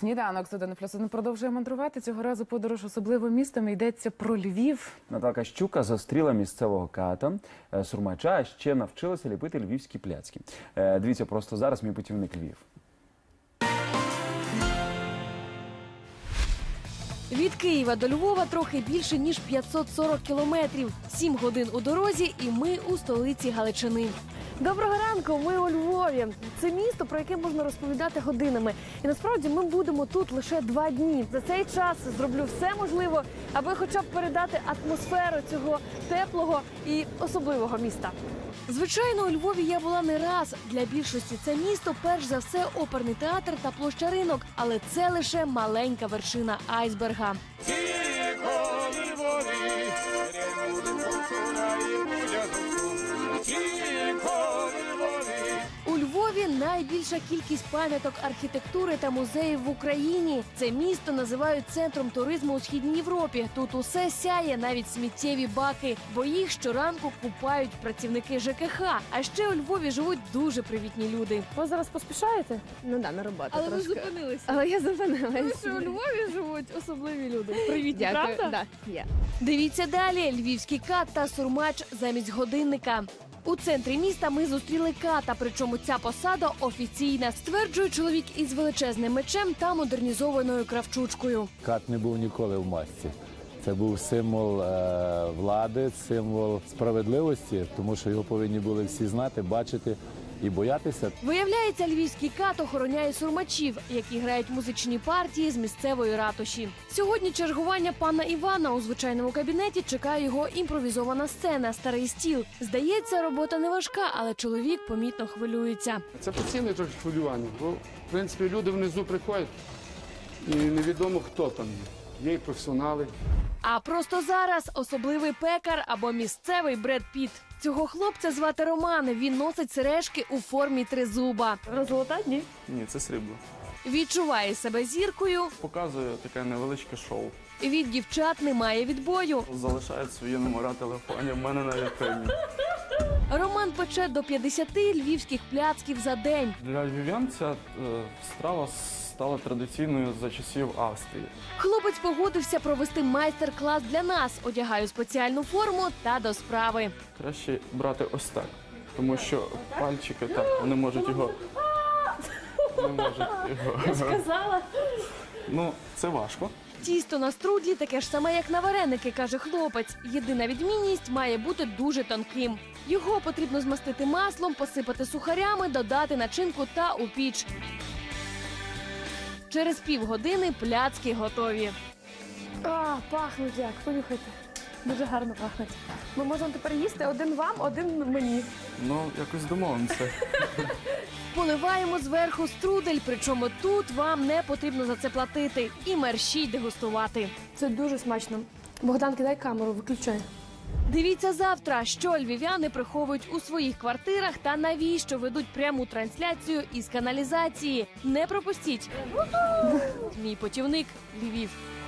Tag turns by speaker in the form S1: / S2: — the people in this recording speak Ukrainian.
S1: Сніданок з 1+1 продовжує мандрувати. Цього разу подорож особливим містом. Йдеться про Львів.
S2: Наталка Щука зустріла місцевого ката, сурмача, а ще навчилася ліпити львівські пляцки. Дивіться просто зараз мій путівник Львів.
S3: Від Києва до Львова трохи більше, ніж 540 кілометрів. 7 годин у дорозі і ми у столиці Галичини.
S4: Доброго ранку, ми у Львові. Це місто, про яке можна розповідати годинами. І насправді ми будемо тут лише 2 дні. За цей час зроблю все можливе, аби хоча б передати атмосферу цього теплого і особливого міста.
S3: Звичайно, у Львові я була не раз. Для більшості це місто, перш за все, оперний театр та площа Ринок. Але це лише маленька вершина айсберга. У Львові найбільша кількість пам'яток архітектури та музеїв в Україні. Це місто називають центром туризму у Східній Європі. Тут усе сяє, навіть сміттєві баки, бо їх щоранку купають працівники ЖКХ. А ще у Львові живуть дуже привітні люди.
S4: Ви зараз поспішаєте? Ну да, на роботу
S3: Але
S4: трошки.
S3: ви зупинилися.
S4: Але я зупинилася.
S3: Тому що у Львові живуть особливі люди. Привітні,
S4: Дякую.
S3: правда?
S4: Да, є.
S3: Дивіться далі. Львівський кат та сурмач замість годинника. У центрі міста ми зустріли ката, причому ця посада офіційна, стверджує чоловік із величезним мечем та модернізованою кравчучкою.
S5: Кат не був ніколи в масці. Це був символ влади, символ справедливості, тому що його повинні були всі знати, бачити і боятися.
S3: Виявляється, львівський кат охороняє сурмачів, які грають музичні партії з місцевої ратуші. Сьогодні чергування пана Івана у звичайному кабінеті чекає його імпровізована сцена «Старий стіл». Здається, робота не важка, але чоловік помітно хвилюється.
S6: Це постійне трохи хвилювання, бо, в принципі, люди внизу приходять і невідомо, хто там є. Є і професіонали.
S3: А просто зараз особливий пекар або місцевий Бред Піт. Цього хлопця звати Роман. Він носить сережки у формі тризуба.
S4: Розлота? Ні.
S7: Ні, це срібло.
S3: Відчуває себе зіркою.
S7: Показує таке невеличке шоу.
S3: Від дівчат немає відбою.
S7: Залишає свої номера телефонів. В мене на вітрині.
S3: Роман пече до 50 львівських пляцків за день.
S7: Для львів'ян ця страва стала традиційною за часів Австрії.
S3: Хлопець погодився провести майстер-клас для нас. Одягаю спеціальну форму та до справи.
S7: Краще брати ось так, тому що пальчики так, вони можуть його... Не можуть його...
S4: Сказала.
S7: Ну, це важко.
S3: Тісто на струдлі таке ж саме, як на вареники, каже хлопець. Єдина відмінність має бути дуже тонким. Його потрібно змастити маслом, посипати сухарями, додати начинку та у піч. Через півгодини пляцки готові.
S4: А, пахнуть як, понюхайте. Дуже гарно пахнуть. Ми можемо тепер їсти один вам, один мені.
S7: Ну, якось домовимося.
S3: Поливаємо зверху струдель, причому тут вам не потрібно за це платити. І мерщій дегустувати.
S4: Це дуже смачно. Богдан, кидай камеру, виключай.
S3: Дивіться завтра, що львів'яни приховують у своїх квартирах та навіщо ведуть пряму трансляцію із каналізації. Не пропустіть. Мій путівник Львів.